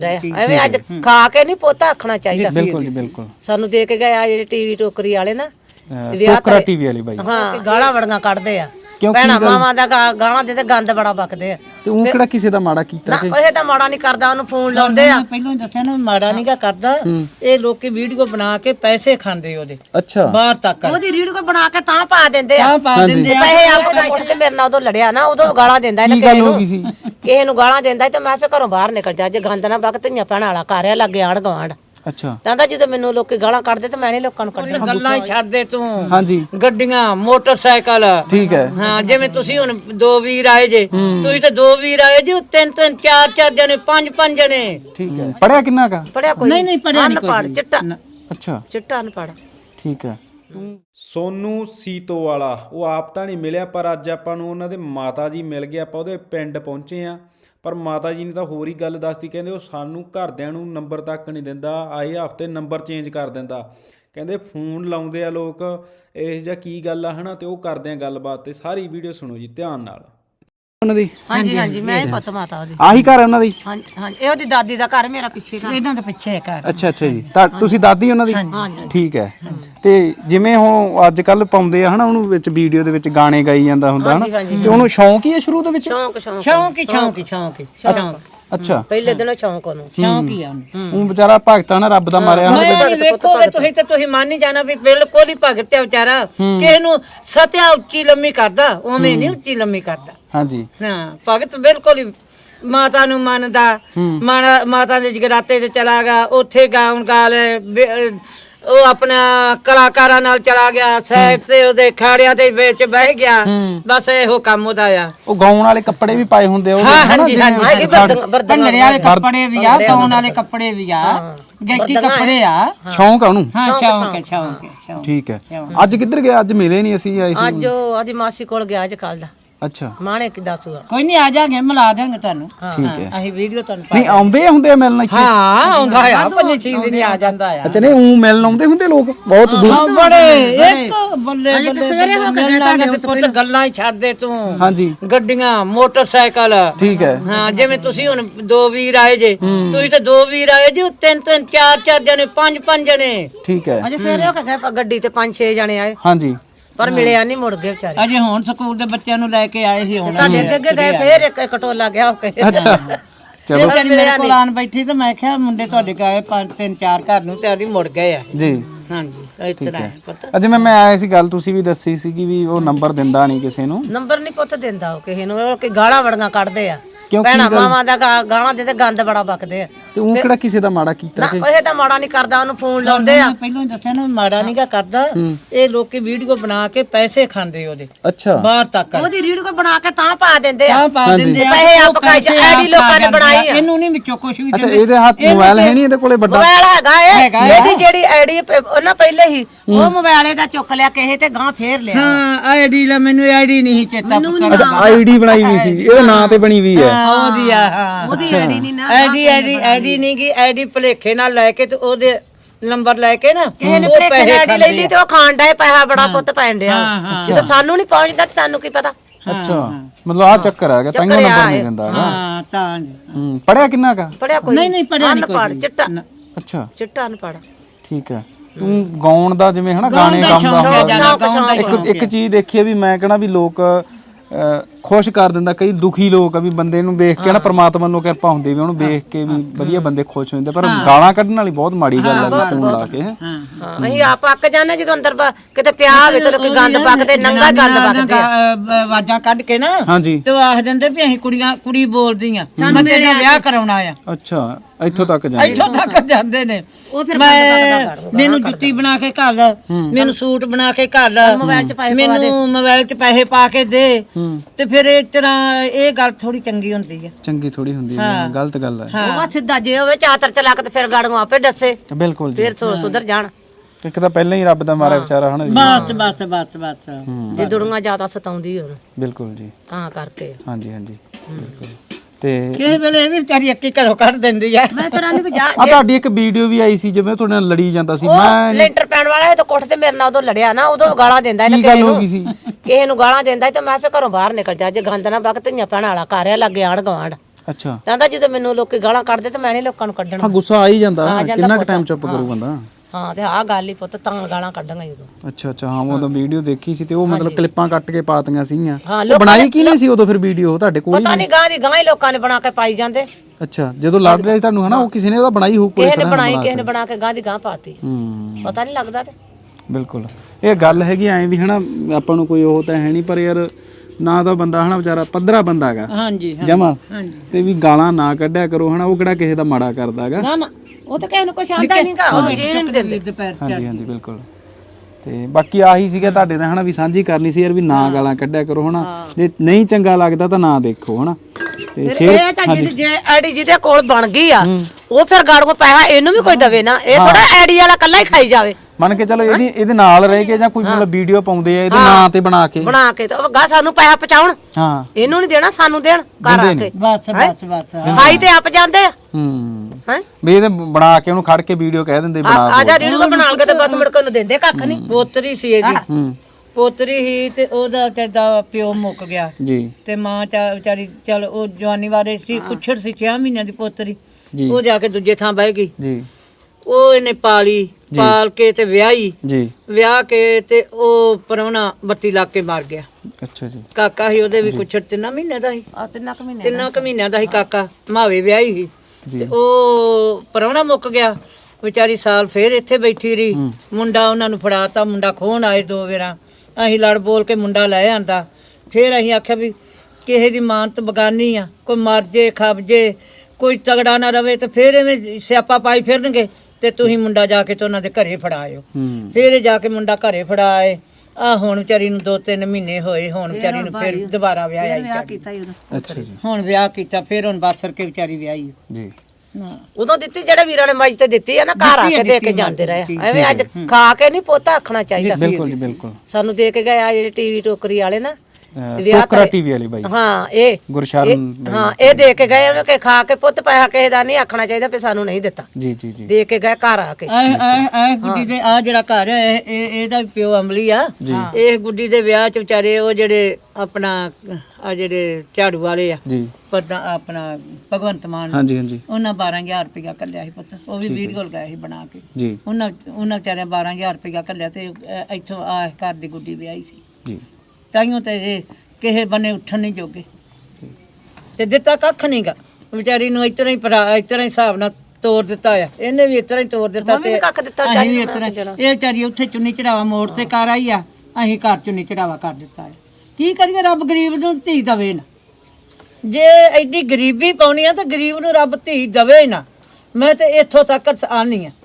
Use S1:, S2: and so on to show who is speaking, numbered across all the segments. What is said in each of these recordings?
S1: ਐਵੇਂ ਅੱਜ ਖਾ ਕੇ ਨਹੀਂ ਪੋਤਾ ਆਖਣਾ ਚਾਹੀਦਾ।
S2: ਬਿਲਕੁਲ ਜੀ ਬਿਲਕੁਲ।
S1: ਸਾਨੂੰ ਦੇ ਕੇ ਗਏ ਆ ਜਿਹੜੇ ਟੀਵੀ ਟੋਕਰੀ ਵਾਲੇ ਨਾ
S2: ਟੋਕਰਾ ਟੀਵੀ ਵਾਲੇ ਬਾਈ
S1: ਹਾਂ ਗਾਲਾਂ ਬੜੀਆਂ ਕੱਢਦੇ ਆ
S2: ਕਿਉਂ
S1: ਭੈਣਾ ਮਾਵਾਂ ਦਾ ਗਾਲਾਂ ਦੇ ਤੇ ਗੰਦ ਬੜਾ ਬਕਦੇ ਆ
S2: ਤੇ ਉਹ ਕਿਹੜਾ ਕਿਸੇ ਦਾ ਮਾੜਾ ਕੀਤਾ
S1: ਨਾ ਇਹ ਤਾਂ ਮਾੜਾ ਨਹੀਂ ਕਰਦਾ ਉਹਨੂੰ ਫੋਨ ਲਾਉਂਦੇ ਆ
S3: ਪਹਿਲਾਂ ਦੱਸਿਆ ਨਾ ਮਾੜਾ ਨਹੀਂਗਾ ਕਰਦਾ ਇਹ ਲੋਕੀ ਵੀਡੀਓ ਬਣਾ ਕੇ ਪੈਸੇ ਖਾਂਦੇ ਉਹਦੇ
S2: ਅੱਛਾ
S3: ਬਾਹਰ ਤੱਕ
S1: ਉਹਦੀ ਰੀਡ ਕੋ ਬਣਾ ਕੇ ਤਾਂ ਪਾ ਦਿੰਦੇ ਆ
S3: ਪਾ ਦਿੰਦੇ ਆ
S1: ਪੈਸੇ ਆਪੋ ਦਾ ਤੇ ਮੇਰੇ ਨਾਲ ਉਦੋਂ ਲੜਿਆ ਨਾ ਉਦੋਂ ਗਾਲਾਂ ਦਿੰਦਾ
S2: ਕੀ ਗੱਲ ਹੋ ਗਈ ਸੀ?
S1: ਕਿਸੇ ਨੂੰ ਗਾਲਾਂ ਦਿੰਦਾ ਤੇ ਮੈਂ ਫੇ ਘਰੋਂ ਬਾਹਰ ਨਿਕਲ ਜਾ ਜੇ ਗੰਦ ਨਾ ਬਕ ਧੀਆਂ ਭੈਣਾਂ ਵਾਲਾ ਘਰ ਆ ਲੱਗੇ ਆੜ ਗਵਾਂਡ
S2: ਅੱਛਾ
S1: ਕਹਿੰਦਾ ਜਦੋਂ ਮੈਨੂੰ ਲੋਕੀ ਗਾਲਾਂ ਕੱਢਦੇ ਤੇ ਮੈਂ ਨਹੀਂ ਲੋਕਾਂ ਨੂੰ ਕੱਢਣਾ
S3: ਗੱਲਾਂ ਹੀ ਛੱਡ ਦੇ ਤੂੰ
S2: ਹਾਂਜੀ
S3: ਗੱਡੀਆਂ ਮੋਟਰਸਾਈਕਲ
S2: ਠੀਕ ਹੈ
S3: ਹਾਂ ਜਿਵੇਂ ਤੁਸੀਂ ਹੁਣ ਦੋ ਵੀਰ ਆਏ ਜੇ ਤੁਸੀਂ ਤਾਂ ਦੋ ਵੀਰ ਆਏ ਜੀ ਤਿੰਨ ਤਿੰਨ ਚਾਰ ਚਾਰ ਜਣੇ ਪੰਜ ਪੰਜ ਜਣੇ
S2: ਠੀਕ ਹੈ ਪੜਿਆ ਕਿੰਨਾ ਕਾ
S1: ਪੜਿਆ ਕੋਈ
S3: ਨਹੀਂ ਪੜਿਆ ਨਹੀਂ
S1: ਪੜ ਚਿੱਟਾ
S2: ਅੱਛਾ
S1: ਚਿੱਟਾ ਅਨਪੜ
S2: ਠੀਕ ਹੈ।
S4: ਸੋਨੂ ਸੀਤੋ ਵਾਲਾ ਉਹ ਆਪ ਤਾਂ ਨਹੀਂ ਮਿਲਿਆ ਪਰ ਅੱਜ ਆਪਾਂ ਨੂੰ ਉਹਨਾਂ ਦੇ ਮਾਤਾ ਜੀ ਮਿਲ ਗਏ। ਆਪਾਂ ਉਹਦੇ ਪਿੰਡ ਪਹੁੰਚੇ ਆ ਪਰ ਮਾਤਾ ਜੀ ਨੇ ਤਾਂ ਹੋਰ ਹੀ ਗੱਲ ਦੱਸਤੀ। ਕਹਿੰਦੇ ਉਹ ਸਾਨੂੰ ਘਰਦਿਆਂ ਨੂੰ ਨੰਬਰ ਤੱਕ ਨਹੀਂ ਦਿੰਦਾ, ਆਏ ਹਫਤੇ ਨੰਬਰ ਚੇਂਜ ਕਰ ਦਿੰਦਾ। ਕਹਿੰਦੇ ਫੋਨ ਲਾਉਂਦੇ ਆ ਲੋਕ, ਇਹ ਜਿਹਾ ਕੀ ਗੱਲ ਆ ਹਨਾ। ਤੇ ਉਹ ਕਰਦੇ ਆ ਗੱਲਬਾਤ ਤੇ ਸਾਰੀ ਵੀਡੀਓ ਸੁਣੋ ਜੀ ਧਿਆਨ ਨਾਲ।
S2: ਉਹਨਾਂ ਦੀ
S1: ਹਾਂਜੀ ਹਾਂਜੀ ਮੈਂ ਹੀ ਪੁੱਤ ਮਾਤਾ ਉਹਦੀ
S2: ਆਹੀ ਘਰ ਹੈ ਉਹਨਾਂ ਦੀ?
S1: ਹਾਂਜੀ ਹਾਂਜੀ ਇਹ ਉਹਦੀ ਦਾਦੀ ਦਾ ਘਰ ਮੇਰਾ ਪਿੱਛੇ ਘਰ
S3: ਇਹਨਾਂ ਦੇ ਪਿੱਛੇ ਘਰ
S2: ਅੱਛਾ ਅੱਛਾ ਜੀ। ਤੁਸੀਂ ਦਾਦੀ ਉਹਨਾਂ ਦੀ? ਠੀਕ ਹੈ। ਤੇ ਜਿਵੇਂ ਹੁਣ ਅੱਜ ਕੱਲ ਪਾਉਂਦੇ ਆ ਹਨਾ ਉਹਨੂੰ ਵਿੱਚ ਵੀਡੀਓ ਦੇ ਵਿੱਚ ਗਾਣੇ ਗਾਈ ਜਾਂਦਾ ਹੁੰਦਾ ਹਨਾ ਤੇ ਉਹਨੂੰ ਸ਼ੌਂਕ ਹੀ ਹੈ ਸ਼ੁਰੂ ਦੇ ਵਿੱਚ?
S1: ਸ਼ੌਂਕ ਸ਼ੌਂਕ
S3: ਸ਼ੌਂਕ
S2: ਅੱਛਾ
S1: ਪਹਿਲੇ ਦਿਨੋਂ ਸ਼ੌਂਕ ਉਹਨੂੰ
S3: ਸ਼ੌਂਕ ਹੀ ਆ ਉਹਨੂੰ।
S2: ਉਹ ਵਿਚਾਰਾ ਭਗਤਾਂ ਨਾ ਰੱਬ ਦਾ ਮਾਰਿਆ
S3: ਨਹੀਂ ਵੇਖੋਗੇ ਤੁਸੀਂ ਮੰਨ ਨਹੀਂ ਜਾਣਾ ਵੀ ਬਿਲਕੁਲ ਹੀ ਭਗਤ ਹੈ ਵਿਚਾਰਾ। ਕਿਸੇ ਨੂੰ ਸਤਿਆ ਉੱਚੀ ਲੰਮੀ ਕਰਦਾ ਉਵੇਂ ਨਹੀਂ ਉੱਚੀ ਲੰਮੀ ਕਰਦਾ।
S2: ਹਾਂਜੀ
S3: ਹਾਂ ਭਗਤ ਬਿਲਕੁਲ ਹੀ ਮਾਤਾ ਨੂੰ ਮੰਨਦਾ। ਮਾਤਾ ਦੇ ਜਗਰਾਤੇ ਤੇ ਚਲਾ ਗਿਆ, ਉੱਥੇ ਗਾਉਣ ਗਾਲ ਉਹ ਆਪਣਾ ਕਲਾਕਾਰਾਂ ਨਾਲ ਚਲਾ ਗਿਆ, ਸਾਈਡ ਤੇ ਉਹਦੇ ਖਾੜਿਆਂ ਦੇ ਵਿੱਚ ਬਹਿ ਗਿਆ। ਬਸ ਇਹੋ ਕੰਮ ਉਹਦਾ ਆ।
S2: ਉਹ ਗਾਉਣ ਵਾਲੇ ਕੱਪੜੇ ਵੀ ਪਾਏ ਹੁੰਦੇ ਉਹ
S3: ਹਾਂਜੀ ਭੰਗੜੇ ਵਾਲੇ ਕੱਪੜੇ ਵੀ ਆ, ਗਾਉਣ ਵਾਲੇ ਕੱਪੜੇ ਵੀ ਆ, ਗਾਇਕੀ ਕੱਪੜੇ ਆ।
S2: ਸ਼ੌਂਕ ਆ ਉਹਨੂੰ?
S3: ਹਾਂ ਸ਼ੌਂਕ।
S2: ਠੀਕ ਹੈ। ਅੱਜ ਕਿੱਧਰ ਗਿਆ? ਅੱਜ ਮਿਲੇ ਨਹੀਂ ਅਸੀਂ ਆਏ ਸੀ।
S1: ਅੱਜ ਉਹ ਆਦੀ ਮਾਸੀ ਕੋਲ ਗਿਆ ਅੱਜ ਕੱਲ ਦਾ।
S2: ਅੱਛਾ
S1: ਮਾਣੇ ਕਿ ਦੱਸੂਗਾ
S3: ਕੋਈ ਨਹੀਂ ਆ ਜਾਗੇ ਮਿਲਾ ਦੇਾਂਗੇ ਤੁਹਾਨੂੰ।
S2: ਠੀਕ ਹੈ।
S3: ਅਸੀਂ ਵੀਡੀਓ ਤੁਹਾਨੂੰ
S2: ਨਹੀਂ ਆਉਂਦੇ ਹੁੰਦੇ ਆ ਮਿਲਣ ਇੱਥੇ?
S3: ਹਾਂ ਆਉਂਦਾ ਆ, 5-6 ਦਿਨ ਆ ਜਾਂਦਾ ਆ।
S2: ਅੱਛਾ ਨਹੀਂ ਉਹ ਮਿਲਣ ਆਉਂਦੇ ਹੁੰਦੇ ਲੋਕ ਬਹੁਤ ਦੂਰ?
S3: ਬੜੇ ਇੱਕ ਬੱਲੇ ਸਵੇਰੇ ਹੋ ਕੇ ਤੁਹਾਡੇ ਪੁੱਤ ਗੱਲਾਂ ਹੀ ਛੱਡ ਦੇ ਤੂੰ।
S2: ਹਾਂਜੀ
S3: ਗੱਡੀਆਂ ਮੋਟਰਸਾਈਕਲ
S2: ਠੀਕ ਹੈ।
S3: ਹਾਂ ਜਿਵੇਂ ਤੁਸੀਂ ਹੁਣ ਦੋ ਵੀਰ ਆਏ ਜੇ ਤੁਸੀਂ ਤਾਂ ਦੋ ਵੀਰ ਆਏ ਜੀ ਤਿੰਨ ਤਿੰਨ ਚਾਰ ਚਾਰ ਜਣੇ ਪੰਜ ਪੰਜ ਜਣੇ।
S2: ਠੀਕ ਹੈ।
S1: ਅਜੇ ਸਵੇਰੇ ਹੋ ਕੇ ਗਏ ਗੱਡੀ ਤੇ 5-6 ਜਣੇ ਆਏ
S2: ਹਾਂਜੀ
S1: ਪਰ ਮਿਲਿਆ ਨਹੀਂ, ਮੁੜ ਗਏ ਵਿਚਾਰੇ।
S3: ਅਜੇ ਹੁਣ ਸਕੂਲ ਦੇ ਬੱਚਿਆਂ ਨੂੰ ਲੈ ਕੇ ਆਏ ਸੀ। ਹੁਣ
S1: ਤੁਹਾਡੇ ਅੱਗੇ ਗਏ ਫੇਰ ਇੱਕ ਟੋਲਾ ਗਿਆ ਹੋ ਕੇ।
S2: ਅੱਛਾ
S3: ਚਲੋ ਮੇਰੇ ਕੋਲ ਆਣ ਬੈਠੀ ਤੇ ਮੈਂ ਕਿਹਾ ਮੁੰਡੇ ਤੁਹਾਡੇ ਗਏ 5-3-4 ਘਰ ਨੂੰ ਤੇ ਆਦੀ ਮੁੜ ਗਏ ਆ
S2: ਜੀ।
S3: ਹਾਂਜੀ ਇਸ ਤਰ੍ਹਾਂ ਪਤਾ।
S2: ਅੱਜ ਮੈਂ ਆਇਆ ਸੀ ਗੱਲ ਤੁਸੀਂ ਵੀ ਦੱਸੀ ਸੀ ਕਿ ਵੀ ਉਹ ਨੰਬਰ ਦਿੰਦਾ ਨਹੀਂ ਕਿਸੇ ਨੂੰ।
S1: ਨੰਬਰ ਨਹੀਂ ਪੁੱਤ ਦਿੰਦਾ ਉਹ ਕਿਸੇ ਨੂੰ, ਉਹ ਕਿ ਗਾਲਾਂ ਬੜੀਆਂ ਕੱਢਦੇ ਆ
S2: ਕਿਉਂ?
S1: ਭੈਣਾ ਮਾਵਾਂ ਦਾ ਗਾਲਾਂ ਦੇ ਤੇ ਗੰਦ ਬੜਾ ਬਕਦੇ ਆ।
S2: ਤੇ ਉਹ ਕਿਹੜਾ ਕਿਸੇ ਦਾ ਮਾੜਾ ਕੀਤਾ?
S1: ਨਾ ਇਹ ਤਾਂ ਮਾੜਾ ਨਹੀਂ ਕਰਦਾ ਉਹਨੂੰ ਫੋਨ ਲਾਉਂਦੇ ਆ
S3: ਪਹਿਲਾਂ ਦੱਸਿਆ ਨਾ ਮਾੜਾ ਨਹੀਂਗਾ ਕਰਦਾ ਇਹ ਲੋਕੀ ਵੀਡੀਓ ਬਣਾ ਕੇ ਪੈਸੇ ਖਾਂਦੇ ਉਹਦੇ
S2: ਅੱਛਾ
S3: ਬਾਹਰ ਤੱਕ।
S1: ਉਹਦੀ ਰੀਡ ਕੋ ਬਣਾ ਕੇ ਤਾਂ ਪਾ ਦਿੰਦੇ ਆ
S3: ਪਾ ਦਿੰਦੇ ਆ
S1: ਪੈਸੇ ਆਪ ਖਾਈ ਚ ਐਡੀ ਲੋਕਾਂ ਨੇ ਬਣਾਈ ਆ।
S3: ਇਹਨੂੰ ਨਹੀਂ ਵਿੱਚੋਂ ਕੁਝ ਵੀ
S2: ਅੱਛਾ ਇਹਦੇ ਹੱਥ ਮੋਬਾਈਲ ਹੈ ਨਹੀਂ ਇਹਦੇ ਕੋਲੇ ਵੱਡਾ?
S1: ਮੋਬਾਈਲ ਹੈਗਾ ਇਹਦੀ ਜਿਹੜੀ ਆਈਡੀ ਉਹਨਾਂ ਪਹਿਲੇ ਹੀ ਉਹ ਮੋਬਾਈਲੇ ਦਾ ਚੁੱਕ ਲਿਆ ਕਿਸੇ ਤੇ ਗਾਂ ਫੇਰ ਲਿਆ।
S3: ਹਾਂ ਆਈਡੀ ਲਾ ਮੈਨੂੰ ਆਈਡੀ ਨਹੀਂ ਚੇਤਾ ਪੁੱਤਰ।
S2: ਅੱਛਾ ਆਈਡੀ ਬਣਾਈ ਵੀ ਸੀ ਇਹਦੇ ਨਾਂ ਤੇ ਬਣੀ ਵੀ ਹੈ?
S3: ਉਹਦੀ ਆ
S1: ਉਹਦੀ ਆਈਡੀ ਨਹੀਂ ਨਾ
S3: ਆਈਡੀ ਨਹੀਂ ਗਈ ਆਈਡੀ ਭਲੇਖੇ ਨਾਲ ਲੈ ਕੇ ਤੇ ਉਹਦੇ ਨੰਬਰ ਲੈ ਕੇ ਨਾ
S1: ਕਿਸੇ ਨੇ ਪੈਸੇ ਆਈਡੀ ਲੈ ਲਈ ਤੇ ਉਹ ਖਾਣ ਦਾ ਪੈਸਾ ਬੜਾ ਪੁੱਤ ਪੈਣ ਡਿਆ। ਜਦੋਂ ਸਾਨੂੰ ਨਹੀਂ ਪਹੁੰਚਦਾ ਤੇ ਸਾਨੂੰ ਕੀ ਪਤਾ।
S2: ਅੱਛਾ ਮਤਲਬ ਆ ਚੱਕਰ ਆ ਗਿਆ ਤਾਂ ਨੰਬਰ ਨਹੀਂ ਦਿੰਦਾ।
S3: ਹਾਂ ਤਾਂ
S2: ਪੜਿਆ ਕਿੰਨਾ ਕਾ?
S1: ਪੜਿਆ ਕੋਈ
S3: ਨਹੀਂ ਪੜਿਆ ਨਹੀਂ
S1: ਅਨਪੜ ਚਿੱਟਾ
S2: ਅੱਛਾ
S1: ਚਿੱਟਾ ਅਨਪੜ।
S2: ਠੀਕ ਹੈ। ਤੂੰ ਗਾਉਣ ਦਾ ਜਿਵੇਂ ਹਨਾ ਗਾਣੇ ਗਾਉਂਦਾ ਇੱਕ ਚੀਜ਼ ਦੇਖੀ ਵੀ ਮੈਂ ਕਹਣਾ ਵੀ ਲੋਕ ਖੁਸ਼ ਕਰ ਦਿੰਦਾ ਕਈ ਦੁਖੀ ਲੋਕ ਆ ਵੀ ਬੰਦੇ ਨੂੰ ਵੇਖ ਕੇ ਨਾ ਪ੍ਰਮਾਤਮਾ ਨੂੰ ਕਿਰਪਾ ਹੁੰਦੀ ਵੀ ਉਹਨੂੰ ਵੇਖ ਕੇ ਵੀ ਵਧੀਆ ਬੰਦੇ ਖੁਸ਼ ਹੋ ਜਾਂਦੇ ਪਰ ਗਾਲਾਂ ਕੱਢਣ ਵਾਲੀ ਬਹੁਤ ਮਾੜੀ ਗੱਲ ਆ ਤੂੰ ਲਾ ਕੇ।
S1: ਅਸੀਂ ਆਪ ਅੱਕ ਜਾਂਦੇ ਜਦੋਂ ਅੰਦਰ ਕਿਤੇ ਪਿਆ ਹੋਵੇ ਤੇ ਲੋਕੀ ਗੰਦ ਪੱਕਦੇ ਨੰਗਾ ਗੰਦ ਪੱਕਦੇ ਆ
S3: ਆਵਾਜ਼ਾਂ ਕੱਢ ਕੇ ਨਾ
S2: ਹਾਂਜੀ
S3: ਤੇ ਉਹ ਆਖ ਦਿੰਦੇ ਵੀ ਅਸੀਂ ਕੁੜੀ ਬੋਲਦੀਆਂ ਮੈਂ ਤੇਰਾ ਵਿਆਹ ਕਰਾਉਣਾ ਆ।
S2: ਅੱਛਾ ਇੱਥੋਂ ਤੱਕ ਜਾਂਦੇ?
S3: ਇੱਥੋਂ ਤੱਕ ਜਾਂਦੇ ਨੇ। ਮੈਨੂੰ ਜੁੱਤੀ ਬਣਾ ਕੇ ਘੱਲ, ਮੈਨੂੰ ਸੂਟ ਬਣਾ ਕੇ ਘੱਲ, ਮੈਨੂੰ ਮੋਬਾਈਲ 'ਚ ਪੈਸੇ ਪਾ ਕੇ ਦੇ। ਤੇ ਫਿਰ ਇਸ ਤਰ੍ਹਾਂ ਇਹ ਗੱਲ ਥੋੜੀ ਚੰਗੀ ਹੁੰਦੀ ਹੈ।
S2: ਚੰਗੀ ਥੋੜੀ ਹੁੰਦੀ ਹੈ, ਗਲਤ ਗੱਲ ਹੈ।
S1: ਉਹ ਸਿੱਧਾ ਜੇ ਹੋਵੇ ਚਾਤਰ ਚਲਾ ਕੇ ਤੇ ਫਿਰ ਗਾੜੀਆਂ ਆਪੇ ਦੱਸੇ
S2: ਬਿਲਕੁਲ ਜੀ।
S1: ਫਿਰ ਸੁਧਰ ਜਾਣ।
S2: ਇੱਕ ਤਾਂ ਪਹਿਲਾਂ ਹੀ ਰੱਬ ਦਾ ਮਾਰਿਆ ਵਿਚਾਰਾ ਹਨਾ ਜੀ।
S3: ਬਸ
S1: ਜੇ ਦੁਨੀਆ ਜ਼ਿਆਦਾ ਸਤਾਉਂਦੀ ਹੋਣ
S2: ਬਿਲਕੁਲ ਜੀ
S1: ਤਾਂ ਕਰਕੇ।
S2: ਹਾਂਜੀ ਹਾਂਜੀ ਬਿਲਕੁਲ। ਤੇ
S3: ਕਿਸੇ ਵੇਲੇ ਇਹ ਵੀ ਵਿਚਾਰੀ ਅੱਕੀ ਘਰੋਂ ਕੱਢ ਦਿੰਦੀ ਆ।
S1: ਮੈਂ ਫਿਰ ਆਂਦੀ ਵੀ ਜਾ
S2: ਆ ਤੁਹਾਡੀ ਇੱਕ ਵੀਡੀਓ ਵੀ ਆਈ ਸੀ ਜਿਵੇਂ ਤੁਹਾਡੇ ਨਾਲ ਲੜੀ ਜਾਂਦਾ ਸੀ। ਮੈਂ
S1: ਲੈਂਟਰ ਪੈਣ ਵਾਲਾ ਇਹ ਤਾਂ ਕੋਠੇ ਤੇ ਮੇਰੇ ਨਾਲ ਉਦੋਂ ਲੜਿਆ ਨਾ ਉਦੋਂ ਗਾਲਾਂ ਦਿੰਦਾ
S2: ਕੀ ਗੱਲ ਹੋ ਗਈ ਸੀ?
S1: ਕਿਸੇ ਨੂੰ ਗਾਲਾਂ ਦਿੰਦਾ ਤੇ ਮੈਂ ਫਿਰ ਘਰੋਂ ਬਾਹਰ ਨਿਕਲ ਜਾ ਜੇ ਗੰਦ ਨਾ ਬਕ ਧੀਆਂ ਭੈਣਾਂ ਵਾਲਾ ਘਰ ਆ ਲੱਗੇ ਆੜ ਗਵਾਂਡ।
S2: ਅੱਛਾ
S1: ਕਹਿੰਦਾ ਜਦੋਂ ਮੈਨੂੰ ਲੋਕੀ ਗਾਲਾਂ ਕੱਢਦੇ ਤੇ ਮੈਂ ਨਹੀਂ ਲੋਕਾਂ ਨੂੰ ਕੱਢਣਾ
S2: ਹਾਂ ਗੁੱਸਾ ਆ ਹੀ ਜਾਂਦਾ ਕਿੰਨਾ ਕੁ ਟਾਈਮ ਚੁੱਪ ਕਰੂ ਬੰਦਾ
S1: ਹਾਂ ਤੇ ਆਹ ਗੱਲ ਹੀ ਪੁੱਤ ਤਾਂ ਗਾਲਾਂ ਕੱਢਾਂਗਾ ਜਦੋਂ
S2: ਅੱਛਾ ਹਾਂ ਉਹ ਤਾਂ ਵੀਡੀਓ ਦੇਖੀ ਸੀ ਤੇ ਉਹ ਮਤਲਬ ਕਲਿੱਪਾਂ ਕੱਟ ਕੇ ਪਾਤੀਆਂ ਸੀਗੀਆਂ
S1: ਹਾਂ
S2: ਉਹ ਬਣਾਈ ਕਿਹਨੇ ਸੀ ਉਦੋਂ ਫਿਰ ਵੀਡੀਓ ਤੁਹਾਡੇ ਕੋਲ
S1: ਪਤਾ ਨਹੀਂ ਗਾਂ ਦੀ ਗਾਂ ਹੀ ਲੋਕਾਂ ਨੇ ਬਣਾ ਕੇ ਪਾਈ ਜਾਂਦੇ
S2: ਅੱਛਾ ਜਦੋਂ ਲੜ ਰਿਹਾ ਸੀ ਤੁਹਾਨੂੰ ਹਨਾ ਉਹ ਕਿਸੇ ਨੇ ਉਹਦਾ ਬਣਾਈ ਹੋਊ ਕੋਈ
S1: ਕਿਸੇ ਨੇ ਬਣਾਈ ਕਿਸੇ ਨੇ ਬਣਾ ਕੇ ਗਾਂ ਦੀ ਗਾਂ ਪਾਤੀ ਪਤਾ ਨਹੀਂ ਲੱਗਦਾ ਤੇ
S2: ਬਿਲਕੁਲ ਇਹ ਗੱਲ ਹੈਗੀ ਐਂ ਵੀ ਹਨਾ ਆਪਾਂ ਨੂੰ ਕੋਈ ਉਹ ਤਾਂ ਹੈ ਨਹੀਂ ਪਰ ਯਾਰ ਨਾ ਤਾਂ ਬੰਦਾ ਹਨਾ ਵਿਚਾਰਾ ਪੱਧਰਾ ਬੰਦਾ ਹੈਗਾ
S3: ਹਾਂਜੀ
S2: ਜਮਾ ਤੇ ਵੀ ਗਾਲਾਂ ਨਾ ਕੱਢਿਆ ਕਰੋ ਹਨਾ ਉਹ ਕਿਹੜਾ ਕਿਸੇ ਦਾ ਮਾੜਾ ਕਰਦਾ ਹੈਗਾ
S1: ਨਾ ਉਹ ਤਾਂ ਕਿਸੇ ਨੂੰ ਕੁਛ ਆਂਦਾ ਹੀ ਨਹੀਂਗਾ ਉਹ ਜੀ ਨਹੀਂ ਦਿੰਦੇ
S2: ਹਾਂਜੀ ਬਿਲਕੁਲ ਤੇ ਬਾਕੀ ਆਹੀ ਸੀਗਾ ਤੁਹਾਡੇ ਨਾਲ ਹਨਾ ਵੀ ਸਾਂਝੀ ਕਰਨੀ ਸੀ ਯਾਰ ਵੀ ਨਾ ਗਾਲਾਂ ਕੱਢਿਆ ਕਰੋ ਹਨਾ ਜੇ ਨਹੀਂ ਚੰਗਾ ਲੱਗਦਾ ਤਾਂ ਨਾ ਦੇਖੋ ਹਨਾ ਤੇ
S1: ਇਹ ਤਾਂ ਜੇ ਆਈਡੀ ਜਿਹਦੇ ਕੋਲ ਬਣ ਗਈ ਆ ਉਹ ਫਿਰ ਗਾੜ ਕੋ ਪੈਸਾ ਇਹਨੂੰ ਵੀ ਕੋਈ ਦਵੇ ਨਾ ਇਹ ਥੋੜਾ ਆਈਡੀ ਵਾਲਾ ਕੱਲਾ ਹੀ ਖਾਈ ਜਾਵੇ
S2: ਮੰਨ ਕੇ ਚਲੋ ਇਹਦੇ ਨਾਲ ਰਹਿ ਕੇ ਜਾਂ ਕੋਈ ਮਤਲਬ ਵੀਡੀਓ ਪਾਉਂਦੇ ਆ ਇਹਦੇ ਨਾਂ ਤੇ ਬਣਾ ਕੇ
S1: ਤੇ ਉਹ ਗਾ ਸਾਨੂੰ ਪੈਸਾ ਪਹੁੰਚਾਉਣ
S2: ਹਾਂ
S1: ਇਹਨੂੰ ਨਹੀਂ ਦੇਣਾ ਸਾਨੂੰ ਦੇਣ ਘਰ ਆ ਕੇ
S3: ਬਸ
S1: ਖਾਈ ਤੇ ਆਪ ਜਾਂਦੇ ਆ ਹੈ
S2: ਵੀ ਇਹਦੇ ਬਣਾ ਕੇ ਉਹਨੂੰ ਖੜ ਕੇ ਵੀਡੀਓ ਕਹਿ ਦਿੰਦੇ ਬਣਾ
S1: ਆ ਜਾ ਰੀੜੂ ਕੋ ਬਣਾ ਕੇ ਤੇ ਬਸ ਮੁੜ ਕੇ ਨੂੰ ਦਿੰਦੇ ਕੱਖ ਨਹੀਂ
S3: ਪੋਤਰੀ ਸੀ ਇਹਦੀ ਪੋਤਰੀ ਹੀ ਤੇ ਉਹਦਾ ਦਾ ਪਿਓ ਮੁੱਕ ਗਿਆ
S2: ਜੀ
S3: ਤੇ ਮਾਂ ਵਿਚਾਰੀ ਚਲ ਉਹ ਜਵਾਨੀ ਵਾਰੇ ਸੀ ਕੁਛੜ ਸੀ 6 ਮਹੀਨਿਆਂ ਦੀ ਪੋਤਰੀ
S2: ਜੀ
S3: ਉਹ ਜਾ ਕੇ ਦੂਜੇ ਥਾਂ ਬਹਿ ਗਈ
S2: ਜੀ
S3: ਉਹ ਇਹਨੇ ਪਾਲ ਕੇ ਤੇ ਵਿਆਹੀ
S2: ਜੀ
S3: ਵਿਆਹ ਕੇ ਤੇ ਉਹ ਪਰਵਣਾ 32 ਲੱਖ ਕੇ ਮਰ ਗਿਆ
S2: ਅੱਛਾ ਜੀ
S3: ਕਾਕਾ ਸੀ ਉਹਦੇ ਵੀ ਕੁਛੜ 3 ਮਹੀਨੇ ਦਾ ਸੀ
S1: ਆ 3 ਮਹੀਨੇ
S3: 3 ਮਹੀਨਿਆਂ ਦਾ ਸੀ ਕਾਕਾ ਮਾਵੇ ਵਿਆਹੀ ਸੀ ਤੇ ਉਹ ਪਰਵਣਾ ਮੁੱਕ ਗਿਆ ਵਿਚਾਰੀ ਸਾਲ ਫੇਰ ਇੱਥੇ ਬੈਠੀ ਰਹੀ ਮੁੰਡਾ ਉਹਨਾਂ ਨੂੰ ਫੜਾਤਾ ਮੁੰਡਾ ਖੋਣ ਆਏ 2 ਵਾਰਾਂ ਅਸੀਂ ਲੜ ਬੋਲ ਕੇ ਮੁੰਡਾ ਲੈ ਆਂਦਾ ਫੇਰ ਅਸੀਂ ਆਖਿਆ ਵੀ ਕਿਸੇ ਦੀ ਮਾਨਤ ਬਗਾਨੀ ਆ ਕੋਈ ਮਰ ਜੇ ਖੱਬ ਜੇ ਕੋਈ ਤਗੜਾ ਨਾ ਰਵੇ ਤੇ ਫੇਰ ਐਵੇਂ ਸਿਆਪਾ ਪਾਈ ਫਿਰਨਗੇ ਤੇ ਤੁਸੀਂ ਮੁੰਡਾ ਜਾ ਕੇ ਤੇ ਉਹਨਾਂ ਦੇ ਘਰੇ ਫੜਾਇਓ ਫੇਰ ਇਹ ਜਾ ਕੇ ਮੁੰਡਾ ਘਰੇ ਫੜਾਏ ਆ ਹੁਣ ਵਿਚਾਰੀ ਨੂੰ 2-3 ਮਹੀਨੇ ਹੋਏ ਹੁਣ ਵਿਚਾਰੀ ਨੂੰ ਫੇਰ ਦੁਬਾਰਾ ਵਿਆਹ ਆਈ
S2: ਅੱਛਾ ਜੀ
S3: ਹੁਣ ਵਿਆਹ ਕੀਤਾ ਫੇਰ ਹੁਣ ਬਾਸਰ ਕੇ ਵਿਚਾਰੀ ਵਿਆਹੀ
S2: ਜੀ
S1: ਉਦੋਂ ਦਿੱਤੀ ਜਿਹੜੇ ਵੀਰਾਂ ਨੇ ਮੱਝ ਤੇ ਦਿੱਤੀ ਆ ਨਾ ਘਰ ਆ ਕੇ ਦੇ ਕੇ ਜਾਂਦੇ ਰਹੇ ਐਵੇਂ ਅੱਜ ਖਾ ਕੇ ਨਹੀਂ ਪੋਤਾ ਆਖਣਾ ਚਾਹੀਦਾ
S2: ਬਿਲਕੁਲ ਜੀ ਬਿਲਕੁਲ
S1: ਸਾਨੂੰ ਦੇ ਕੇ ਗਏ ਆ ਜਿਹੜੇ ਟੀਵੀ ਟੋਕਰੀ ਵਾਲੇ ਨਾ
S2: ਟੋਕਰਾ ਟੀਵੀ ਵਾਲੀ ਬਾਈ
S1: ਹਾਂ ਇਹ
S2: ਗੁਰਸ਼ਰਨ
S1: ਹਾਂ ਇਹ ਦੇ ਕੇ ਗਏ ਐਵੇਂ ਕਿ ਖਾ ਕੇ ਪੁੱਤ ਪੈਸਾ ਕਿਸੇ ਦਾ ਨਹੀਂ ਆਖਣਾ ਚਾਹੀਦਾ ਵੀ ਸਾਨੂੰ ਨਹੀਂ ਦਿੱਤਾ
S2: ਜੀ ਜੀ ਜੀ
S1: ਦੇ ਕੇ ਗਏ ਘਰ ਆ ਕੇ
S3: ਇਹ ਗੁੱਡੀ ਦੇ ਆ ਜਿਹੜਾ ਘਰ ਹੈ ਇਹਦਾ ਵੀ ਪਿਓ ਅਮਲੀ ਆ ਇਹ ਗੁੱਡੀ ਦੇ ਵਿਆਹ ਚ ਵਿਚਾਰੇ ਉਹ ਜਿਹੜੇ ਆਪਣਾ ਆ ਜਿਹੜੇ ਝਾੜੂ ਵਾਲੇ ਆ
S2: ਜੀ
S3: ਆਪਣਾ ਭਗਵੰਤ ਮਾਨ
S2: ਹਾਂਜੀ ਹਾਂਜੀ
S3: ਉਹਨਾਂ 12000 ਰੁਪਇਆ ਕੱਲਿਆ ਸੀ ਪੁੱਤ ਉਹ ਵੀ ਵੀਡੀਓ ਲਗਾਇਆ ਸੀ ਬਣਾ ਕੇ
S2: ਜੀ
S3: ਉਹਨਾਂ ਵਿਚਾਰਿਆਂ 12000 ਰੁਪਇਆ ਕੱਲਿਆ ਤੇ ਇੱਥੋਂ ਆ ਘਰ ਦੀ ਗੁੱਡੀ ਵਿਆਹੀ ਸੀ
S2: ਜੀ
S3: ਤਾਈਓ ਤੇ ਇਹ ਕਿਸੇ ਬੰਨੇ ਉੱਠਣ ਨਹੀਂ ਜੋਗੇ ਤੇ ਦਿੱਤਾ ਕੱਖ ਨਹੀਂਗਾ ਵਿਚਾਰੀ ਨੂੰ ਇਸ ਤਰ੍ਹਾਂ ਹੀ ਹਿਸਾਬ ਨਾਲ ਤੋੜ ਦਿੱਤਾ ਆ ਇਹਨੇ ਵੀ ਇਸ ਤਰ੍ਹਾਂ ਹੀ ਤੋੜ ਦਿੱਤਾ ਤੇ
S1: ਕੱਖ ਦਿੱਤਾ
S3: ਅਸੀਂ ਵੀ ਇਸ ਤਰ੍ਹਾਂ ਇਹ ਵਿਚਾਰੀ ਉੱਥੇ ਚੁੰਨੀ ਚੜਾਵਾ ਮੋੜ ਤੇ ਕਰ ਆਈ ਆ ਅਸੀਂ ਘਰ ਚੁੰਨੀ ਚੜਾਵਾ ਕਰ ਦਿੱਤਾ ਹੈ ਕੀ ਕਰੀਏ ਰੱਬ ਗਰੀਬ ਨੂੰ ਧੀ ਦਵੇ ਨਾ ਜੇ ਐਡੀ ਗਰੀਬੀ ਪਾਉਣੀ ਆ ਤਾਂ ਗਰੀਬ ਨੂੰ ਰੱਬ ਧੀ ਦਵੇ ਨਾ ਮੈਂ ਤੇ ਇੱਥੋਂ ਤੱਕ ਆਨੀ ਆ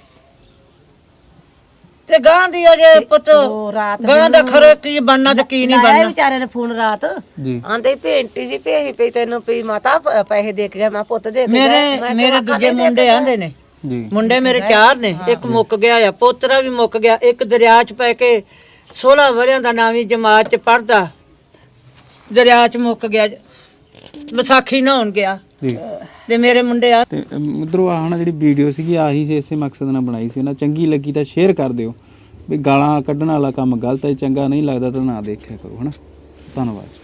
S3: ਤੇ ਗਾਂ ਦੀ ਅਜੇ ਪੁੱਤ ਗਾਂ ਦਾ ਖਰੇ ਕੀ ਬਣਨਾ ਤੇ ਕੀ ਨਹੀਂ ਬਣਨਾ
S1: ਵਿਚਾਰੇ ਨੇ ਫੋਨ ਰਾਤ
S2: ਜੀ
S1: ਆਂਦੇ ਭੇਂਟੀ ਜੀ ਭੇਹੀ ਪਈ ਤੈਨੂੰ ਪਈ ਮਾਤਾ ਪੈਸੇ ਦੇ ਕੇ ਗਏ ਮੈਂ ਪੁੱਤ ਦੇ ਕੇ
S3: ਮੇਰੇ ਦੂਜੇ ਮੁੰਡੇ ਆਂਦੇ ਨੇ
S2: ਜੀ
S3: ਮੁੰਡੇ ਮੇਰੇ 4 ਨੇ ਇੱਕ ਮੁੱਕ ਗਿਆ ਆ ਪੋਤਰਾ ਵੀ ਮੁੱਕ ਗਿਆ ਇੱਕ ਦਰਿਆ 'ਚ ਪੈ ਕੇ 16 ਵਰਿਆਂ ਦਾ ਨਾਵੀਂ ਜਮਾਤ 'ਚ ਪੜਦਾ ਦਰਿਆ 'ਚ ਮੁੱਕ ਗਿਆ ਵਿਸਾਖੀ ਨਹਾਉਣ ਗਿਆ
S2: ਜੀ
S3: ਤੇ ਮੇਰੇ ਮੁੰਡੇ ਆ
S2: ਤੇ ਮਿੱਤਰੋ ਆਹ ਨਾ ਜਿਹੜੀ ਵੀਡੀਓ ਸੀਗੀ ਆਹੀ ਸੀ ਇਸੇ ਮਕਸਦ ਨਾਲ ਬਣਾਈ ਸੀ ਨਾ ਚੰਗੀ ਲੱਗੀ ਤਾਂ ਸ਼ੇਅਰ ਕਰ ਦਿਓ ਵੀ ਗਾਲਾਂ ਕੱਢਣ ਵਾਲਾ ਕੰਮ ਗਲਤ ਹੈ ਚੰਗਾ ਨਹੀਂ ਲੱਗਦਾ ਤਾਂ ਨਾ ਦੇਖਿਆ ਕਰੋ ਹਨਾ ਧੰਨਵਾਦ।